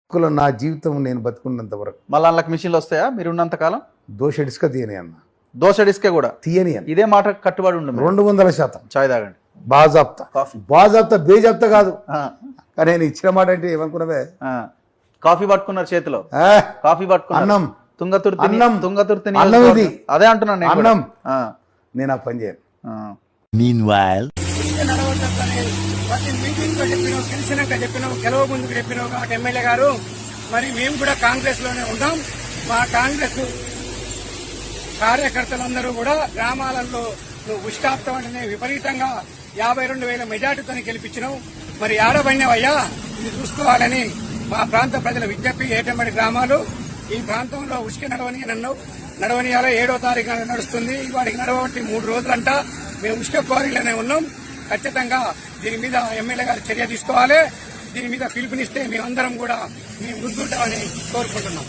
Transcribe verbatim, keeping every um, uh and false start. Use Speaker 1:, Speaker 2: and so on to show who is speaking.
Speaker 1: కుల నా జీవితం నేను బతుకున్నంత వరకు
Speaker 2: మళ్ళీ అందులోకి మిషన్లు వస్తాయా మీరు ఉన్నంత కాలం?
Speaker 1: దోష ఇసుక తీయని అన్న,
Speaker 2: దోశ డిస్కే కూడా
Speaker 1: తీయని అన్న.
Speaker 2: ఇదే మాట కట్టుబడి ఉండదు.
Speaker 1: రెండు వందల శాతం
Speaker 2: చాయ్ తాగండి,
Speaker 1: బాజాప్తా
Speaker 2: కాఫీ
Speaker 1: బాజాప్తా బేజాప్తా కాదు.
Speaker 2: ఆ,
Speaker 1: కానీ నేను ఇచ్చిన మాట అంటే ఏమనుకున్నావే?
Speaker 2: ఆ. కాఫీ పట్టుకున్నారు చేతిలో,
Speaker 1: ఆ,
Speaker 2: కాఫీ పట్టుకున్నారు.
Speaker 1: అన్నం
Speaker 2: తుంగతుర్తి
Speaker 1: అన్నం.
Speaker 2: తుంగతుర్తి
Speaker 1: అన్నం
Speaker 2: నియోజకవర్గం.
Speaker 1: ఇది.
Speaker 2: అదే అంటున్నాను నేను కూడా.
Speaker 1: అన్నం.
Speaker 2: ఆ,
Speaker 1: నేను ఆ పని చేయను.
Speaker 2: ఆ.
Speaker 3: Meanwhile,
Speaker 4: ప్రతి మీటింగ్ లో చెప్పినావు, గెలిచినాక చెప్పినావు, గెలవ ముందుకు చెప్పినావు కాబట్టి ఎమ్మెల్యే గారు, మరి మేము కూడా కాంగ్రెస్ లోనే ఉన్నాం. మా కాంగ్రెస్ కార్యకర్తలందరూ కూడా గ్రామాలలో నువ్వు ఉష్కాప్తం అంటే విపరీతంగా యాభై రెండు వేల మెజార్టీతో గెలిపించినావు. మరి ఆడబడినవయ్యా, ఇది చూసుకోవాలని మా ప్రాంత ప్రజల విజ్ఞప్తి. ఏటమ్మడి గ్రామాలు ఈ ప్రాంతంలో ఉష్క నడవని అన్నావు. నడవనియాలో ఏడో తారీఖు నడుస్తుంది. వాడికి నడవబట్టి మూడు రోజులంట. మేము ఉష్క క్వారీలోనే ఉన్నాం. ఖచ్చితంగా దీని మీద ఎమ్మెల్యే గారు చర్య తీసుకోవాలి. దీని మీద పిలుపునిస్తే మేమందరం కూడా మేము ముందుంటామని కోరుకుంటున్నాం.